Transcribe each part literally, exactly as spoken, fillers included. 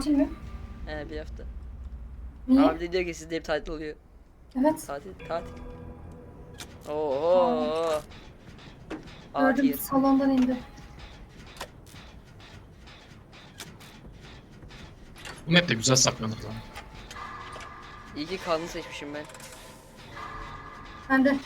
Tatil mi? He bir hafta. Niye? Abi de diyor ki sizde hep tatil oluyor. Evet. Tatil, tatil. Oo. Gördüm, Afiyet. salondan indi. Bu map de güzel saklanır lan. İyi ki kanlı seçmişim ben. Ben de.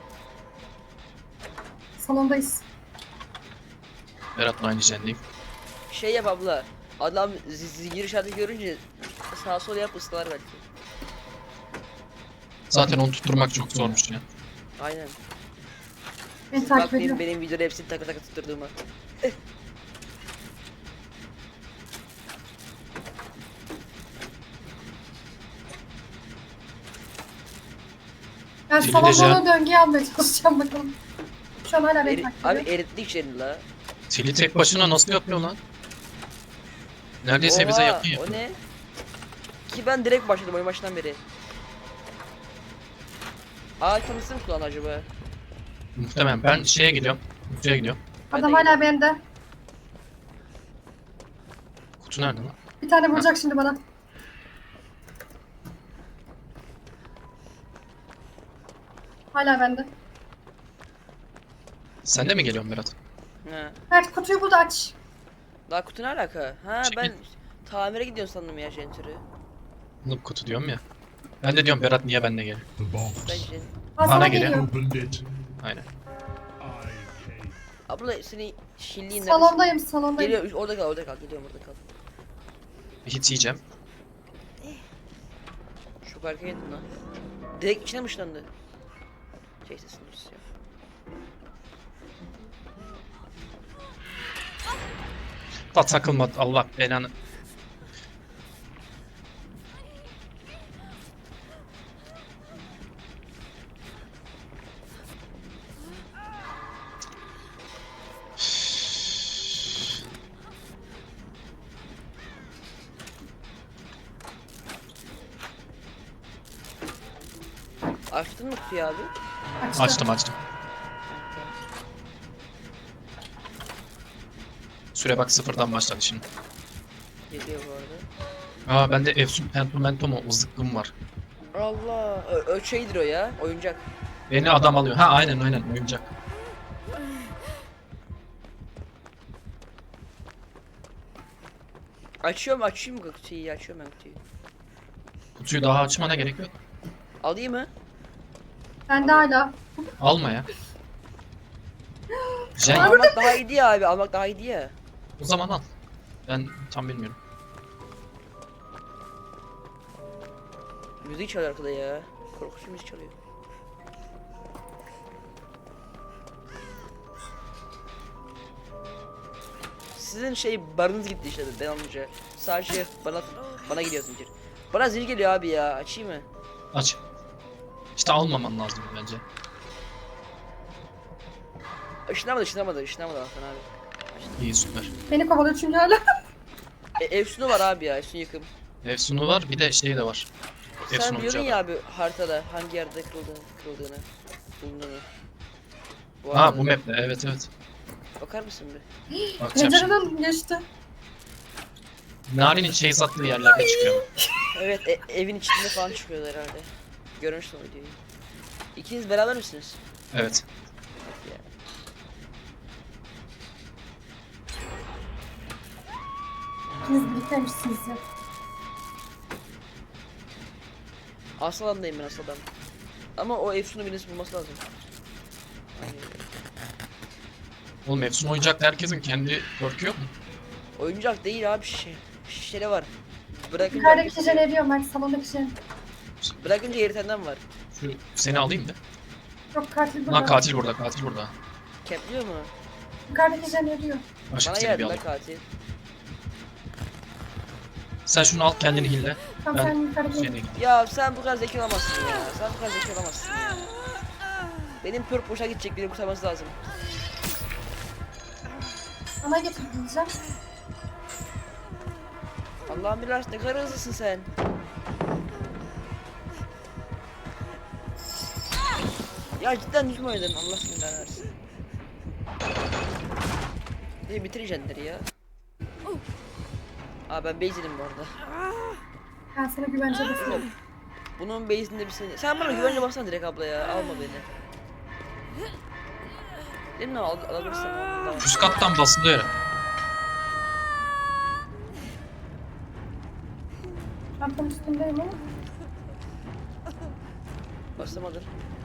Salondayız. Berat'la aynı jendeyim. Şey yap abla. Adam zincir işareti görünce sağa sola yap ıslar belki. Zaten onu tutturmak çok zormuş ya. Aynen. Beni takip Bakmayın ediyor. benim videoda hepsini takır takır tutturduğuma. Ben Dilinde salondan o döngüyü almaya çalışacağım bakalım. Şu an hala beni Eri, takip abi ediyor. erittik seni la. Tili tek başına nasıl yapıyor lan? Neredeyse Oha, bize yakın o yapıyor. ne? Ki ben direkt başladım oyun başından beri. Aa tanısı mı kullan acaba? Muhtemelen ben şeye gidiyorum. Kutuya gidiyorum. Ben Adam de hala bende. Kutu nerede lan? Bir tane vuracak şimdi bana. Hala bende. Sen de mi geliyorsun Berat? Ha. Mert kutuyu burada aç. Daha kutu ne alaka? Ha Çekil. ben tamire gidiyorum sandım ya jentürü. Noob kutu diyorum ya. Ben de diyorum Berat niye benimle geliyor? The box. Ben jen... Ha, Bana sana geliyor. geliyor. Opened it. Aynen. I came. Abla seni şilliğin neresi? Salondayım, salondayım. Geliyor orada kal orada kal geliyorum orada kal. Hit yiyeceğim. Çok arkaya yedin lan. Direkt içine mi ışınlandı? Şey sesini ya. Da takılma Allah belanı. Açtın mı kutuyu abi? Açtı. Açtım açtım. Süre bak sıfırdan başladı şimdi. Geliyor bu arada. Aa bende Efsun Pentumento mu zıkkım var. Allah, ö, ö şeydir o ya, oyuncak. Beni adam alıyor. Ha aynen aynen oyuncak. Açıyorum, açayım mı kutuyu? Açıyorum ben kutuyu. Kutuyu daha açmana gerek yok. Alayım mı? Bende hala. Alma ya. Jen Almak daha iyi ya abi, almak daha iyi ya. o zaman al. Ben tam bilmiyorum. Müzik çalıyor arkada ya. Korkunç müzik çalıyor. Sizin şey barınız gitti işte ben alınca. Sadece bana bana gidiyor zincir. Bana zil geliyor abi ya. Açayım mı? Aç. İşte almaman lazım bence. Işınlamadı, ışınlamadı, ışınlamadı Hakan abi. İyi süper. Beni kovalıyor çünkü hala. E, Efsun'u var abi ya, Efsun yıkım. Efsun'u var bir de şey de var. Efsun Sen biliyordun oyuncağı ya da. abi haritada hangi yerde kırıldığını, kırıldığını, bulunduğunu. Bu Ha arada- bu map'te evet evet. Bakar mısın bir? Bakacağım şimdi. Pencereden geçti. Nari'nin şey sattığı yerlerde çıkıyor. Evet, e- evin içinde falan çıkıyorlar herhalde. Görmüştüm o videoyu. İkiniz beraber misiniz? Evet. Bak ya. İkiniz birlikteymişsiniz ya. Asıl alandayım ben asıl adam. Ama o Efsun'u birisi bulması lazım. Oğlum Efsun oyuncakta herkesin kendi perk'ü yok mu? Oyuncak değil abi şişe. Şişele var. Bırakınca Yukarıdaki şişe eriyor Mert, salondaki şişe. Bırakınca eritenden var. Şu seni alayım da. Yok, katil burada. Lan katil burada katil burada. Kempliyor mu? Yukarıdaki şişe eriyor. Başka Bana seni bir geldi la alayım. katil. Sen şunu al kendini hille. Tamam, Ben sen yukarı gel. şeyine gideyim. Ya sen bu kadar zeki olamazsın ya. Sen bu kadar zeki olamazsın ya. Benim pörk boşa gidecek, beni kurtarması lazım. Sana getir diyeceğim. Allah'ım biraz ne kadar hızlısın sen. Ya cidden düzgün oynadın, Allah seni belanı versin. Bir de bitir jenleri ya. Aa ben base'im bu arada. Ben sana güvence basıyorum. Bunun base'inde bir seni... Sen bana güvence bassana direkt abla ya. Alma beni. Değil mi? Al, alabilirsen al. Tamam. Üst kattan basılıyor. Çantanın üstündeyim ama. Basamadır.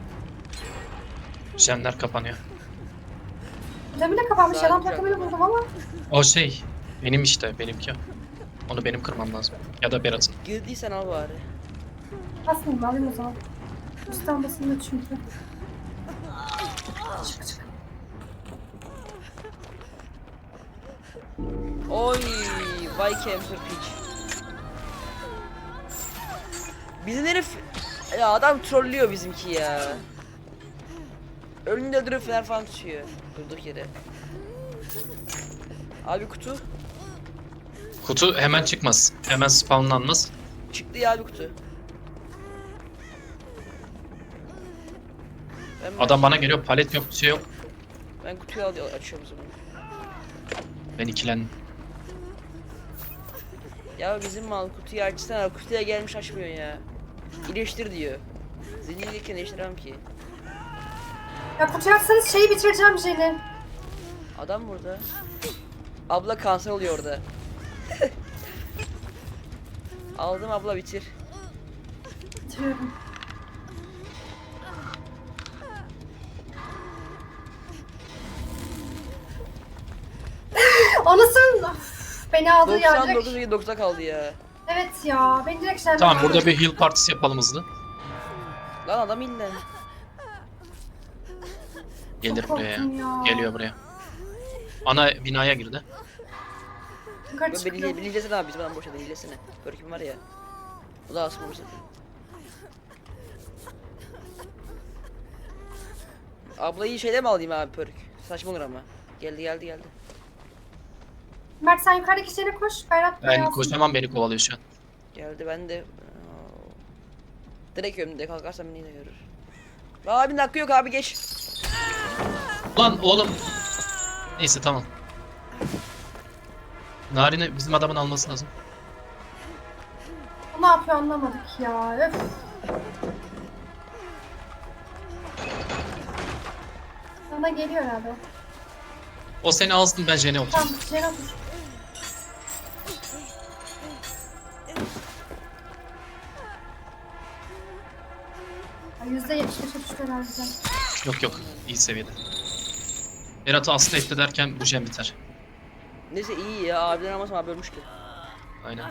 Jenler kapanıyor. Camı da kapanmış. Güzel, Yalan güzel. takımını buldum ama. O şey. Benim işte benimki. Onu benim kırmam lazım. Ya da Berat'ın. Girdiysen al bari. Basmayayım alayım o zaman. Üstten basılıyor çünkü. Çık çık. Oy, vay camper pitch. Bizim herif... Ya adam trollüyor bizimki ya. Önünde durup fener falan tutuyor. Durduk yere. Abi kutu. Kutu hemen çıkmaz. Hemen spawnlanmaz. Çıktı ya abi kutu. Ben, Adam bana geliyor. Palet yok, bir şey yok. Ben kutuyu al açıyorum o zaman. Ben ikilendim. Ya bizim mal kutuyu açsana. Kutuya gelmiş açmıyor ya. İyileştir diyor. Zincirliyken iyileştiremem ki. Ya kutuyu açsanız şeyi bitireceğim Jen'i. Adam burada. Abla kanser oluyor orada. Aldım abla bitir. Bitiriyorum. Anasın. Of, beni aldı ya doksan direkt. dokuz ve dokuzda kaldı ya. Evet ya. Beni direkt Jen'den Tamam aldı. burada bir heal partisi yapalım hızlı. Lan adam illa. Gelir buraya ya. korktum ya. Geliyor buraya. Ana binaya girdi. Yukarı Ben çıkıyor. beni beni izlesene abi bizim adam boşa beni izlesene. Görküm var ya. O da asma boşa. Ablayı şeyde mi alayım abi pörük? Saçma olur ama. Geldi geldi geldi. Mert sen yukarıdaki şeyine koş. Berat buraya Ben alsın. kocaman beni kovalıyor şu an. Geldi ben de. Direkt önümde kalkarsam beni de görür. Abi hakkı yok abi geç. Lan oğlum. Neyse tamam. Narin'i bizim adamın alması lazım. Bu ne yapıyor anlamadık ya. Öf. Sana geliyor herhalde. O seni alsın, ben Jen'e otur. Tamam Jen'e otur. yüzde yetmiş beşe düştü herhalde. Yok yok, iyi seviyede. Berat'ı asla etti derken bu Jen biter. Neyse iyi ya abiden almasam abi ölmüştü. Aynen.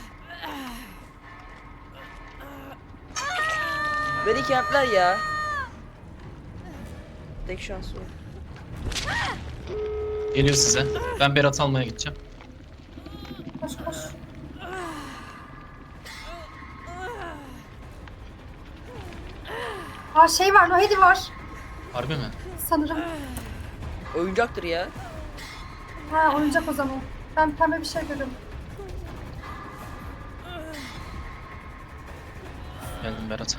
Beni kempler ya. Tek şansı o. Geliyor size. Ben Berat'ı almaya gideceğim. Koş koş. Aa şey var, Nohedi var Harbi mi? sanırım. Oyuncaktır ya. Ha oyuncak o zaman. Ben pembe bir şey görüyorum. Geldim Berat.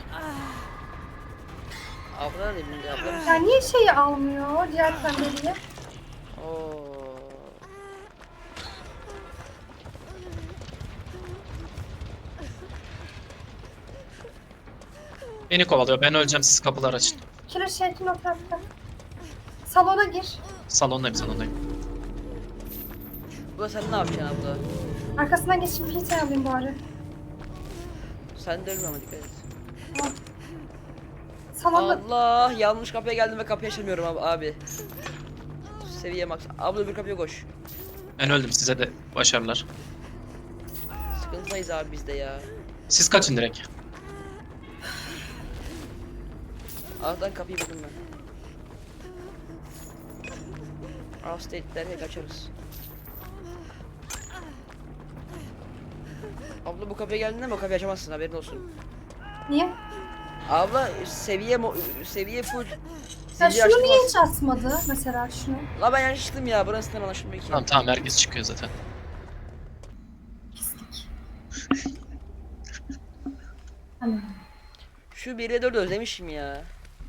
Abla ne bileyim abla mısın? Ya niye şeyi almıyor diğer pembeliği? Oo. Beni kovalıyor. Ben öleceğim, siz kapılar açın. Killer Shake'in o tarafta. Salona gir. Salondayım, salondayım. Abla sen ne yapacaksın abla? Arkasından geçip Peter alayım bari. Sen de ölme ama dikkat et. Tamam. Salonda Allah yanlış kapıya geldim ve kapıyı açamıyorum abi. abi. Seviye max. Abla bir kapıya koş. Ben öldüm, size de başarılar. Sıkıntıdayız abi biz de ya. Siz kaçın direkt. Alttan kapıyı buldum ben. Out state derken kaçarız. Abla bu kapıya geldiğinde mi o kapıyı açamazsın haberin olsun. niye? Abla seviye mo seviye full. Ya Zincir şunu niye açtırmaz. hiç asmadı mesela şunu? La ben yanlış çıktım ya burasından anlaşılmıyor ki. Tamam tamam, herkes çıkıyor zaten. Pislik. Hani Şu bir ile dört özlemişim ya.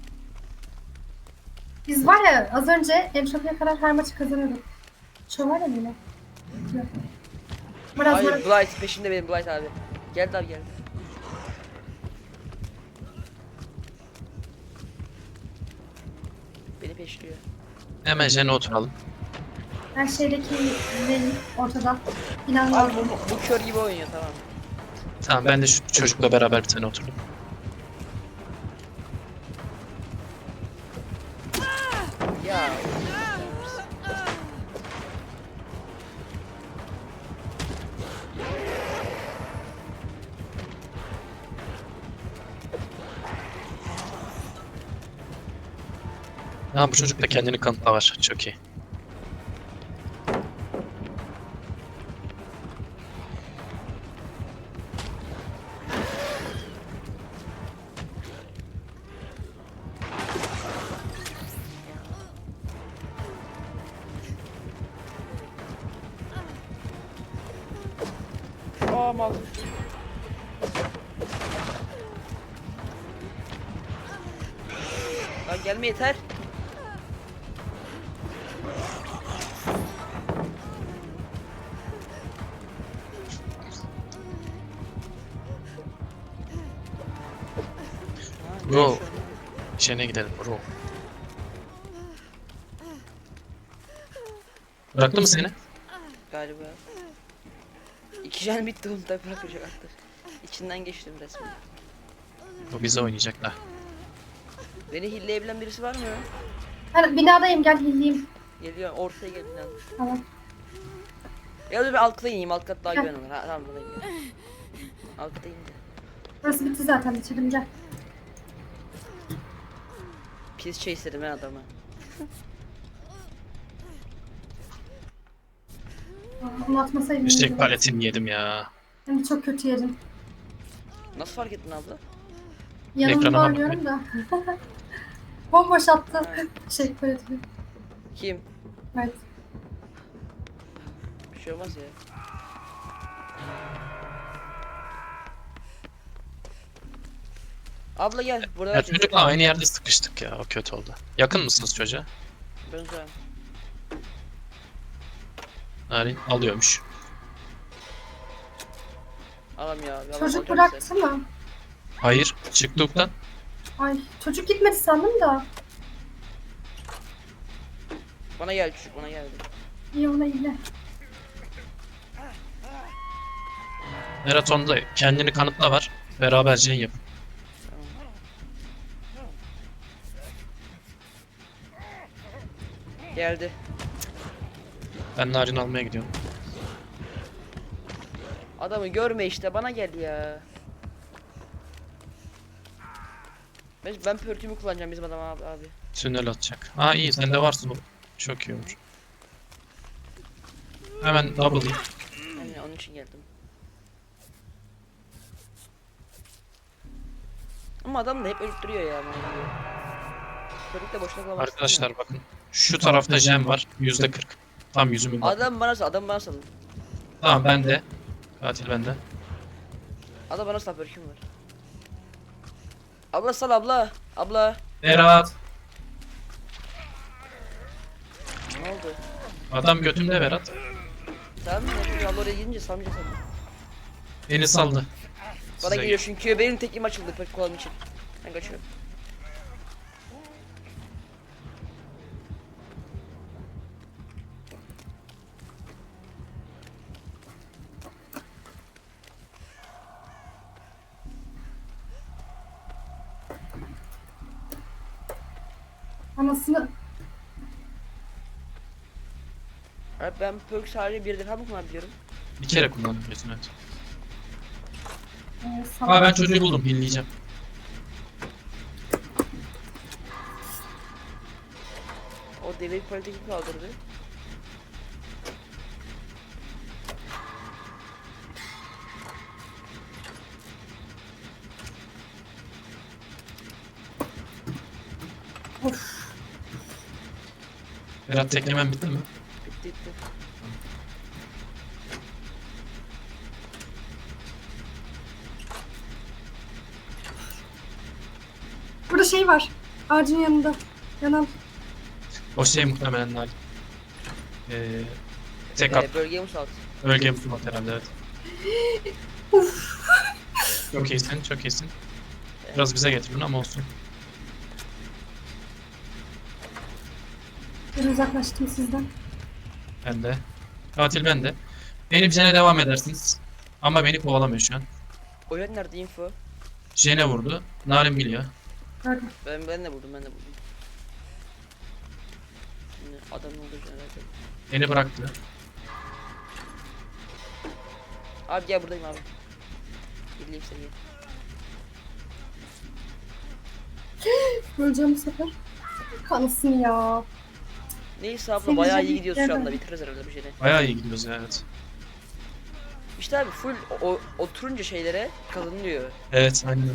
biz var ya az önce Emşapı'ya kadar her maçı kazanıyorduk. Şu var ya bile. Yok. Biraz Hayır böyle. Blight peşimde benim Blight abi. Geldi abi geldi. Beni peşliyor. Hemen jene oturalım. Her şeydeki benim ortada. Abi İnanmıyorum. bu, bu kör gibi oynuyor tamam. Tamam ben de şu çocukla beraber bir tane oturdum. Ya. Ha bu çocuk da kendini kanıtla var. Çok iyi. Aa mal. Lan gelme yeter. Ha, Bro. ne şu an? Jene gidelim bro. Bıraktı mı seni? Galiba. İki jen bitti onu da bırakacak artık. İçinden geçtim resmen. Bu bize oynayacaklar. Beni hilleyebilen birisi var mı? Ben binadayım, gel hilliyim. Geliyor ortaya gel binanın. Tamam. Ya da bir alt kata ineyim alt kat daha güven olur. Ha, tamam buradayım ya. Alt kata indim. Burası bitti zaten, bitirdim, gel. Pis chaser'ım ben adamı. Aa, Onu atmasaydım. Üstek iyiydi. paletini yedim ya. Ben de çok kötü yedim. Nasıl fark ettin abla? Yanımda Ekrana bak oynuyorum da. Bomboş attı. Ha. Şey paletini. Kim? Evet. Bir şey olmaz ya. Abla gel burada Ya ver çocukla aynı yerde sıkıştık ya. O kötü oldu. Yakın mısınız çocuğa? Ben uzağım. Narin alıyormuş. Alam ya. yalan Çocuk alacağım bıraktı size. mı? Hayır. Çıktıktan. Ay çocuk gitmedi sandım da. Bana gel çocuk bana geldi. İyi, ona iyi. Maratonda kendini kanıtla var. Beraber jen yapın. Geldi. Ben Narin almaya gidiyorum. Adamı görme işte bana gel ya. Ben, ben pörtümü kullanacağım bizim adam abi. abi. Tünel atacak. Ha iyi sende varsa bu. Çok iyi olur. Hemen double. Yani onun için geldim. Ama adam da hep ölüp duruyor ya. Körük de boşuna kalmaz. Arkadaşlar bakın. Şu tarafta jen var. yüzde kırk. Tam yüzümün bak. Adam bana sal, adam bana salın. Tamam bende. Katil bende. Adam bana sal, pörküm var. Abla sal abla. Abla. Berat. Ne oldu? Adam götümde Berat. Tamam mı? Şimdi abla oraya gidince salmayacak sana. Beni saldı. Bana Size geliyor çünkü benim tekim açıldı pörküm kolam için. Ben kaçıyorum. Anasını. Abi ben perk sadece bir defa mı kullanabiliyorum? Bir kere kullanabiliyorsun evet. Ee, Aa salak. ben çocuğu buldum. Pinleyeceğim. O deveyi politik kaldırdı. Of. Berat teklemen bitti mi? Bitti bitti. Burada şey var. Ağacın yanında. Yanan. O şey muhtemelen Narin. Ee, tek at. Ee, bölgeye musallat. Bölge bu mat herhalde evet. Çok iyisin, çok iyisin. Biraz bize getirin ama olsun. Bir uzaklaştım sizden. Ben de. Katil ben de. Beni Jen'e devam edersiniz. Ama beni kovalamıyor şu an. Oyun nerede info? Jen'e vurdu. Narin biliyor. Gördüm. Ben ben de vurdum ben de vurdum. Şimdi adam ne olacak merak ettim. Beni bıraktı. Abi gel buradayım abi. Birliğim seni gel. Öleceğim bu sefer. Kanısın ya. Neyse abla Seni bayağı iyi canım gidiyoruz şu anda, nereden? bitiririz herhalde bir şeyleri. Bayağı iyi gidiyoruz ya evet. İşte abi full o, oturunca şeylere kazanılıyor. Evet aynen.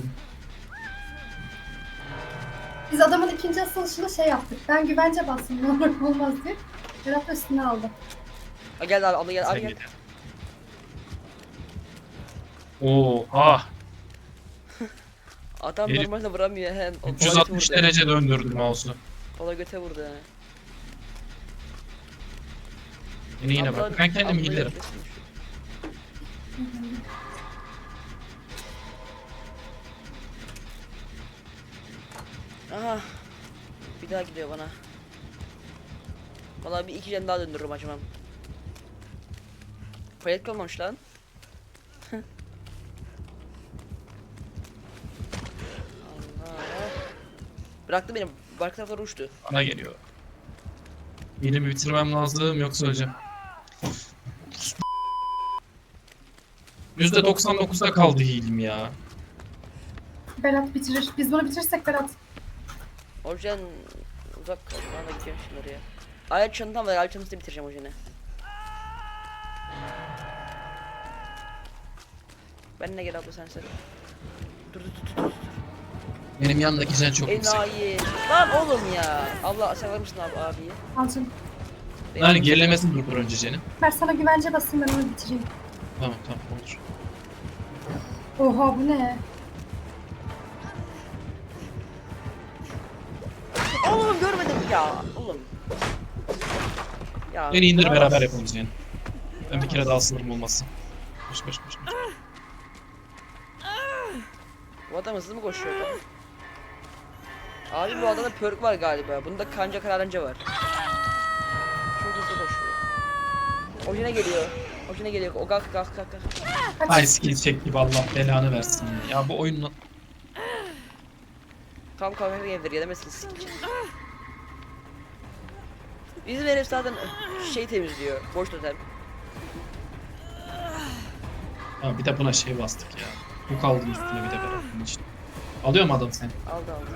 Biz adamın ikinci asılışında şey yaptık. Ben güvence bastım. Ne olur ne olmaz diye. Berat da üstüne aldı. Ha gel abi abla gel abi Sen gel. gel. Oo, ah. Adam Herif- normalde vuramıyor hem. o- üç yüz kola altmış göte vurdu. derece döndürdüm mouse'u. Kola göte vurdu ha. Beni yine Abla- bırak. Ben kendim abla healerim. yapıyorsun. Aha. Bir daha gidiyor bana. Vallahi bir iki can daha döndürürüm acımam. Palet kalmamış lan. Allah. Bıraktı beni. Bark taraflara uçtu. Bana geliyor. Heal'imi bitirmem lazım yoksa öleceğim. yüzde doksan dokuzda kaldı heal'im ya. Berat bitirir. Biz bunu bitirirsek Berat. Orjan uzak kal. Bana da gidiyorum şimdi oraya. Ayak çantam var. Ayak çantasını bitireceğim Orjan'ı. Benimle gel abla sen sen. Dur dur dur dur. dur. Benim yanındaki Jen çok yüksek. Enayi. Lan oğlum ya. Allah sen var mısın abi abiyi? Al canım. Yani gerilemesini durdur önce Jen'in. Ver sana güvence basayım ben onu bitireyim. Tamam tamam olur. Oha bu ne? Oğlum görmedim ya. Oğlum. Ya. Beni indir bana beraber bas. yapalım Jen. Ben bir kere daha sınırım olmasın. Koş koş koş. koş. Bu adam hızlı mı koşuyor lan? Abi bu adamda perk var galiba. Bunda kanca kararınca var. Çok hızlı koşuyor. Ojine geliyor. Ojine geliyor. O kalk kalk kalk kalk. Ay skill çek gibi Allah belanı versin. Ya bu oyunla... Tam kalkar gelir gelemezsiniz sik için. Bizim herif zaten şey temizliyor. Boş totem. Ha, bir de buna şey bastık ya. Bu kaldı üstüne bir de Berat'ın için. Alıyor mu adam seni? Aldı aldı.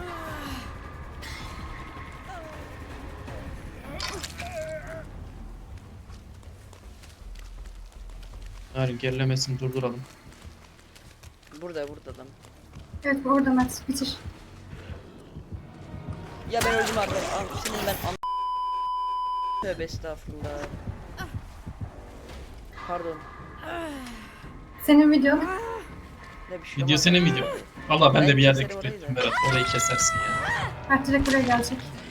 Yani gerilemesini durduralım. Burada burada adam. Evet bu orada Mert. Bitir. Ya ben öldüm abi. An senin ben an... Tövbe estağfurullah. Pardon. Senin videon. Ne bir şey Video olmaz. senin video. Valla ben de bir yerde keserim küfrettim orayı da. Berat. Orayı kesersin ya. Mert direkt buraya gelecek.